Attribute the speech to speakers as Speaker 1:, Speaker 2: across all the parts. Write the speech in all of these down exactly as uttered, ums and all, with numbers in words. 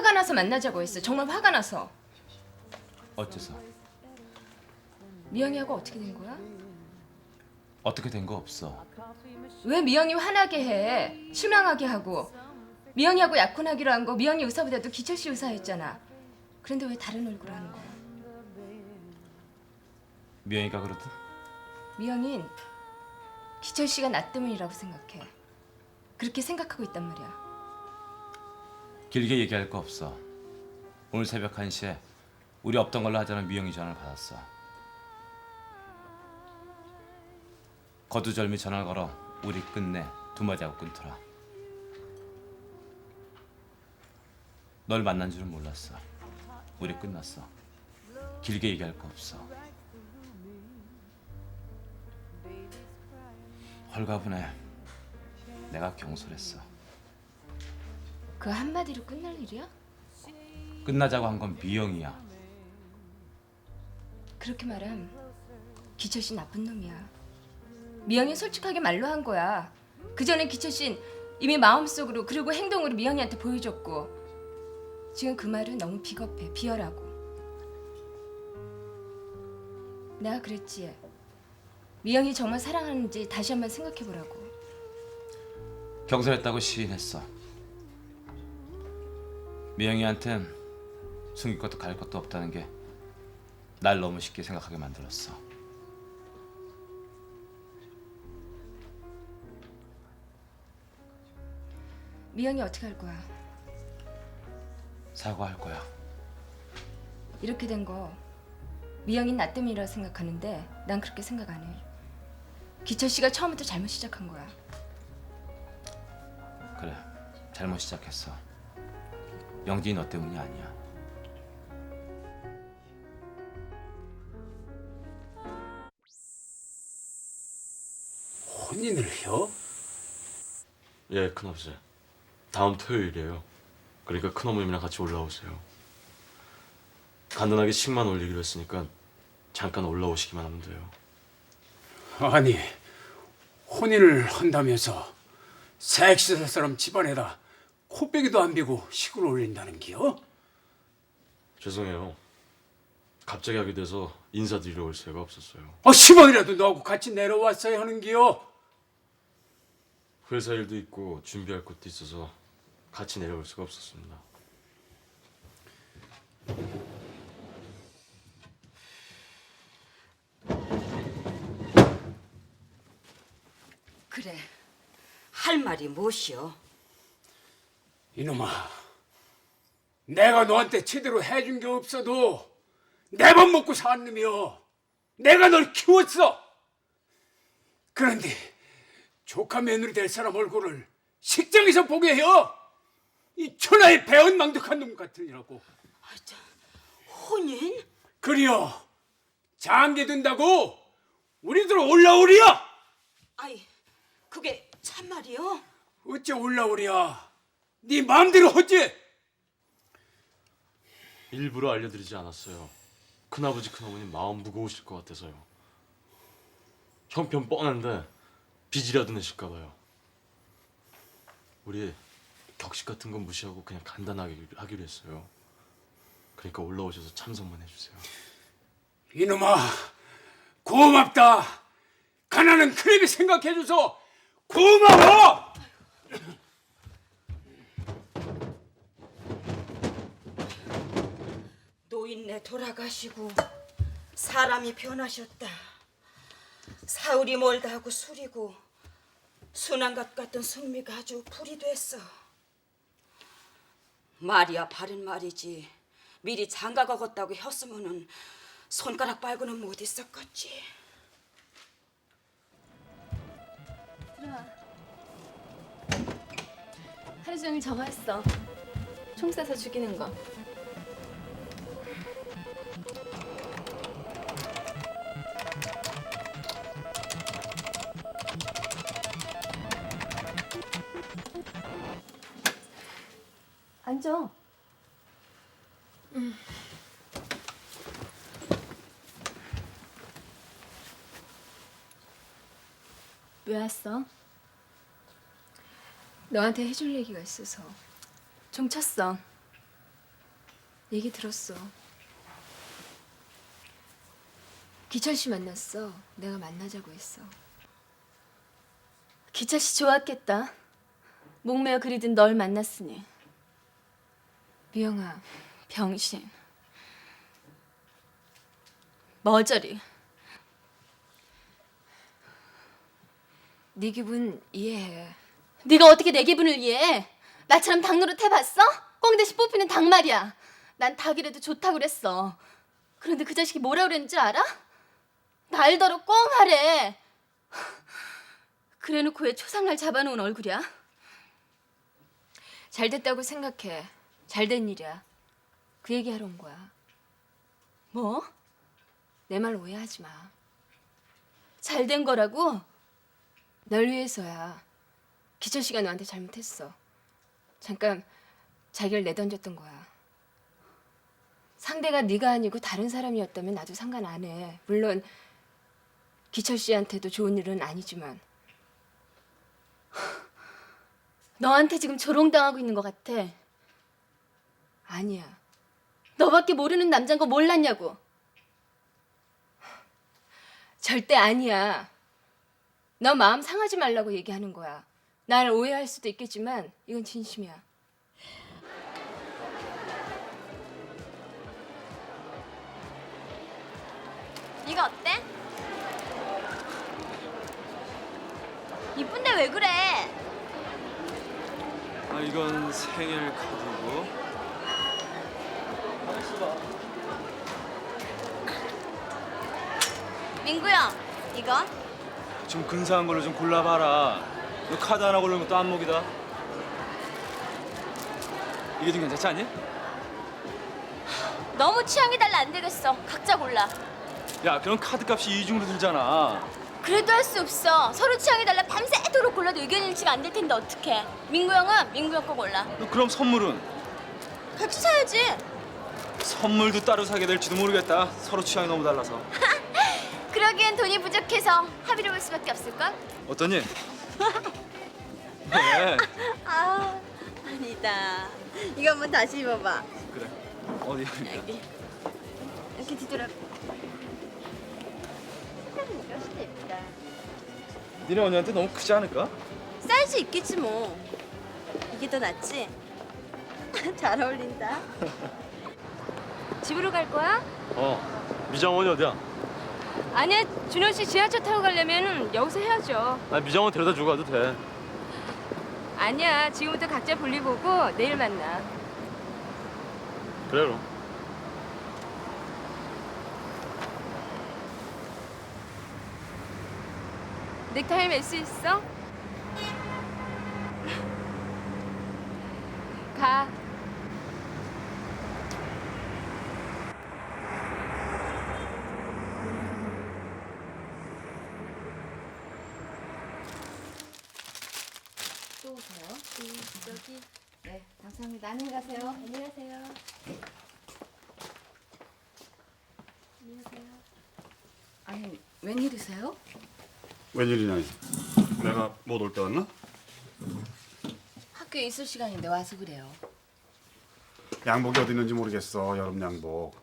Speaker 1: 화가 나서 만나자고 했어. 정말 화가 나서.
Speaker 2: 어째서?
Speaker 1: 미영이하고 어떻게 된 거야?
Speaker 2: 어떻게 된 거 없어.
Speaker 1: 왜 미영이 화나게 해? 실망하게 하고. 미영이하고 약혼하기로 한 거 미영이 의사보다도 기철 씨 의사였잖아. 그런데 왜 다른 얼굴 하는 거야?
Speaker 2: 미영이가 그러든?
Speaker 1: 미영인 기철 씨가 나 때문이라고 생각해. 그렇게 생각하고 있단 말이야.
Speaker 2: 길게 얘기할 거 없어. 오늘 새벽 한 시에 우리 없던 걸로 하자는 미영이 전화를 받았어. 거두절미 전화를 걸어 우리 끝내 두 마디 하고 끊더라. 널 만난 줄은 몰랐어. 우리 끝났어. 길게 얘기할 거 없어. 헐가분해. 내가 경솔했어.
Speaker 1: 그 한마디로 끝날 일이야?
Speaker 2: 끝나자고 한 건 미영이야.
Speaker 1: 그렇게 말함 기철 씨 나쁜 놈이야. 미영이 솔직하게 말로 한 거야. 그 전에 기철 씨는 이미 마음속으로 그리고 행동으로 미영이한테 보여줬고 지금 그 말은 너무 비겁해. 비열하고. 내가 그랬지. 미영이 정말 사랑하는지 다시 한번 생각해보라고.
Speaker 2: 경솔했다고 시인했어. 미영이한텐 숨길 것도 가릴 것도 없다는 게 날 너무 쉽게 생각하게 만들었어.
Speaker 1: 미영이 어떻게 할 거야?
Speaker 2: 사과할 거야.
Speaker 1: 이렇게 된 거 미영이 나 때문이라고 생각하는데 난 그렇게 생각 안 해. 기철 씨가 처음부터 잘못 시작한 거야.
Speaker 2: 그래, 잘못 시작했어. 영진이 너 때문이 아니야.
Speaker 3: 혼인을 해요?
Speaker 4: 예, 큰아버지. 다음 토요일이에요. 그러니까 큰어머님이랑 같이 올라오세요. 간단하게 식만 올리기로 했으니까 잠깐 올라오시기만 하면 돼요.
Speaker 3: 아니, 혼인을 한다면서 색시사 사람 집안에다 코빼기도 안 비고 식을 올린다는 기요?
Speaker 4: 죄송해요. 갑자기 하게 돼서 인사드리러 올 새가 없었어요.
Speaker 3: 아, 십 원이라도 너하고 같이 내려왔어야 하는 기요?
Speaker 4: 회사 일도 있고 준비할 것도 있어서 같이 내려올 수가 없었습니다.
Speaker 5: 그래, 할 말이 무엇이오?
Speaker 3: 이놈아, 내가 너한테 제대로 해준 게 없어도 내 밥 먹고 산 놈이여. 내가 널 키웠어. 그런데 조카 며느리 될 사람 얼굴을 식장에서 보게 해요. 이 천하의 배은망덕한 놈 같으니라고.
Speaker 5: 아, 참, 혼인?
Speaker 3: 그리여 장기 든다고 우리들 올라오리야.
Speaker 5: 아이, 그게 참말이오?
Speaker 3: 어째 올라오랴. 네 마음대로 하지.
Speaker 4: 일부러 알려드리지 않았어요. 큰아버지 큰어머님 마음 무거우실 것 같아서요. 형편 뻔한데 빚이라도 내실까 봐요. 우리 격식 같은 건 무시하고 그냥 간단하게 하기로 했어요. 그러니까 올라오셔서 참석만 해주세요.
Speaker 3: 이놈아, 고맙다. 가난한 크랩이 생각해줘서 고마워.
Speaker 5: 노인네 돌아가시고 사람이 변하셨다. 사울이 멀다 하고 술이고 순한 것 같던 승미가 아주 불이 됐어. 말이야 바른 말이지. 미리 장가 가겠다고 했으면은 손가락 빨고는 못 있었겠지.
Speaker 6: 들어와. 하루 종일 저거 했어. 총 쏴서 죽이는 거. 앉아. 음. 왜 왔어?
Speaker 1: 너한테 해줄 얘기가 있어서.
Speaker 6: 종 쳤어.
Speaker 1: 얘기 들었어. 기철 씨 만났어. 내가 만나자고 했어.
Speaker 6: 기철 씨 좋았겠다. 목매어 그리던 널 만났으니.
Speaker 1: 미영아,
Speaker 6: 병신. 머저리.
Speaker 1: 네 기분 이해해.
Speaker 6: 네가 어떻게 내 기분을 이해해? 나처럼 닭 노릇 해봤어? 꽁 대신 뽑히는 닭 말이야. 난 닭이라도 좋다고 그랬어. 그런데 그 자식이 뭐라 그랬는지 알아? 날더러 꽁 하래. 그래놓고 왜 초상날 잡아놓은 얼굴이야?
Speaker 1: 잘 됐다고 생각해. 잘 된 일이야. 그 얘기 하러 온 거야.
Speaker 6: 뭐?
Speaker 1: 내 말 오해하지 마.
Speaker 6: 잘 된 거라고?
Speaker 1: 널 위해서야. 기철 씨가 너한테 잘못했어. 잠깐 자기를 내던졌던 거야. 상대가 네가 아니고 다른 사람이었다면 나도 상관 안 해. 물론 기철 씨한테도 좋은 일은 아니지만.
Speaker 6: 너한테 지금 조롱당하고 있는 것 같아.
Speaker 1: 아니야.
Speaker 6: 너밖에 모르는 남자인 거 몰랐냐고.
Speaker 1: 절대 아니야. 너 마음 상하지 말라고 얘기하는 거야. 날 오해할 수도 있겠지만 이건 진심이야.
Speaker 6: 이거 어때? 이쁜데 왜 그래?
Speaker 4: 아 이건 생일 카드고.
Speaker 6: 민구 형, 이거?
Speaker 4: 좀 근사한 걸로 좀 골라봐라. 너 카드 하나 고르는 것도 안목이다. 이게 좀 괜찮지 않니?
Speaker 6: 너무 취향이 달라 안 되겠어. 각자 골라.
Speaker 4: 야 그럼 카드 값이 이중으로 들잖아.
Speaker 6: 그래도 할 수 없어. 서로 취향이 달라 밤새도록 골라도 의견 일치가 안 될 텐데 어떡해. 민구 형은 민구 형 거 골라.
Speaker 4: 너 그럼 선물은?
Speaker 6: 같이 사야지.
Speaker 4: 선물도 따로 사게 될지도 모르겠다. 서로 취향이 너무 달라서.
Speaker 6: 그러기엔 돈이 부족해서 합의를 볼 수밖에 없을걸?
Speaker 4: 어떠니? 네.
Speaker 6: 아, 아니다. 이거 한번 다시 입어봐.
Speaker 4: 그래. 어디?
Speaker 6: 여기. 이렇게 뒤돌아. 색깔은 이거 훨씬 더 예쁘다.
Speaker 4: 니네 언니한테 너무 크지 않을까?
Speaker 6: 사이즈 있겠지 뭐. 이게 더 낫지? 잘 어울린다.
Speaker 1: 집으로 갈 거야?
Speaker 4: 어. 미장원이 어디야?
Speaker 1: 아니야. 준호 씨 지하철 타고 가려면 여기서 해야죠.
Speaker 4: 아 미장원 데려다 주고 가도 돼.
Speaker 1: 아니야. 지금부터 각자 볼일 보고 내일 만나.
Speaker 4: 그래 그럼.
Speaker 1: 넥타이 맬 수 있어? 가.
Speaker 7: 또 오세요? 저기. 네, 감사합니다. 안녕히 가세요. 안녕히 가세요. 아니, 웬일이세요?
Speaker 8: 웬일이냐? 내가 못 올 때 왔나?
Speaker 7: 학교에 있을 시간인데 와서 그래요.
Speaker 8: 양복이 어디 있는지 모르겠어. 여름 양복.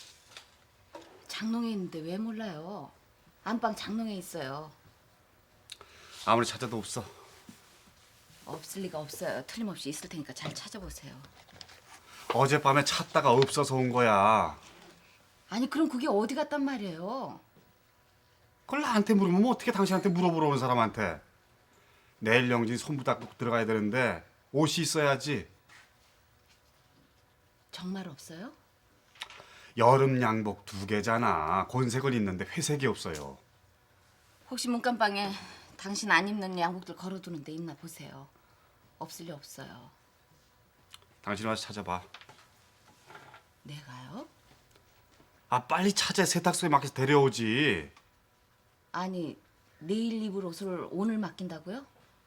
Speaker 7: 장롱에 있는데 왜 몰라요? 안방 장롱에 있어요.
Speaker 8: 아무리 찾아도 없어.
Speaker 7: 없을 리가 없어요. 틀림없이 있을 테니까 잘 찾아보세요.
Speaker 8: 어젯밤에 찾다가 없어서 온 거야.
Speaker 7: 아니 그럼 그게 어디 갔단 말이에요?
Speaker 8: 그걸 나한테 물으면 뭐 어떻게 당신한테 물어보러 온 사람한테. 내일 영진 손부 닦고 들어가야 되는데 옷이 있어야지.
Speaker 7: 정말 없어요?
Speaker 8: 여름 양복 두 개잖아. 곤색은 있는데 회색이 없어요.
Speaker 7: 혹시 문간방에 당신 안 입는 양복들 걸어두는 데 있나 보세요. 없을 리 없어요.
Speaker 8: 당신 와서 찾아봐.
Speaker 7: 내가요?
Speaker 8: 아 빨리 찾아. 세탁소에 맡겨서 데려오지.
Speaker 7: 아니 내일 입을 옷을 오늘 맡긴다고요?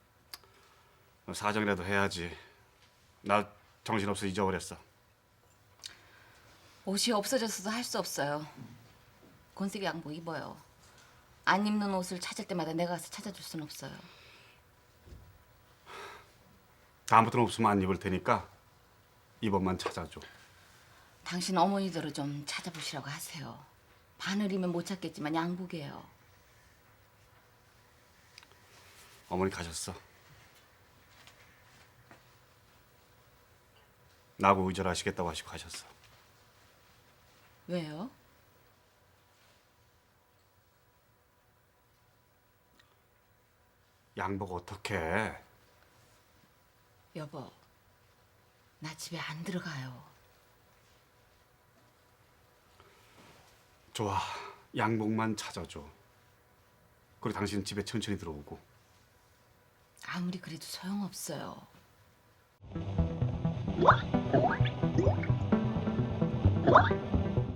Speaker 8: 사정이라도 해야지. 나 정신없어 잊어버렸어.
Speaker 7: 옷이 없어졌어도 할 수 없어요. 곤색 양복 입어요. 안 입는 옷을 찾을 때마다 내가 가서 찾아줄 순 없어요.
Speaker 8: 다음부터는 없으면 안 입을 테니까 이번만 찾아줘.
Speaker 7: 당신 어머니대로 좀 찾아보시라고 하세요. 바늘이면 못 찾겠지만 양복이에요.
Speaker 8: 어머니 가셨어. 나하고 의절하시겠다고 하시고 가셨어.
Speaker 7: 왜요?
Speaker 8: 양복 어떻게 해?
Speaker 7: 여보, 나 집에 안 들어가요.
Speaker 8: 좋아. 양복만 찾아줘. 그리고 당신은 집에 천천히 들어오고.
Speaker 7: 아무리 그래도 소용없어요.
Speaker 9: What?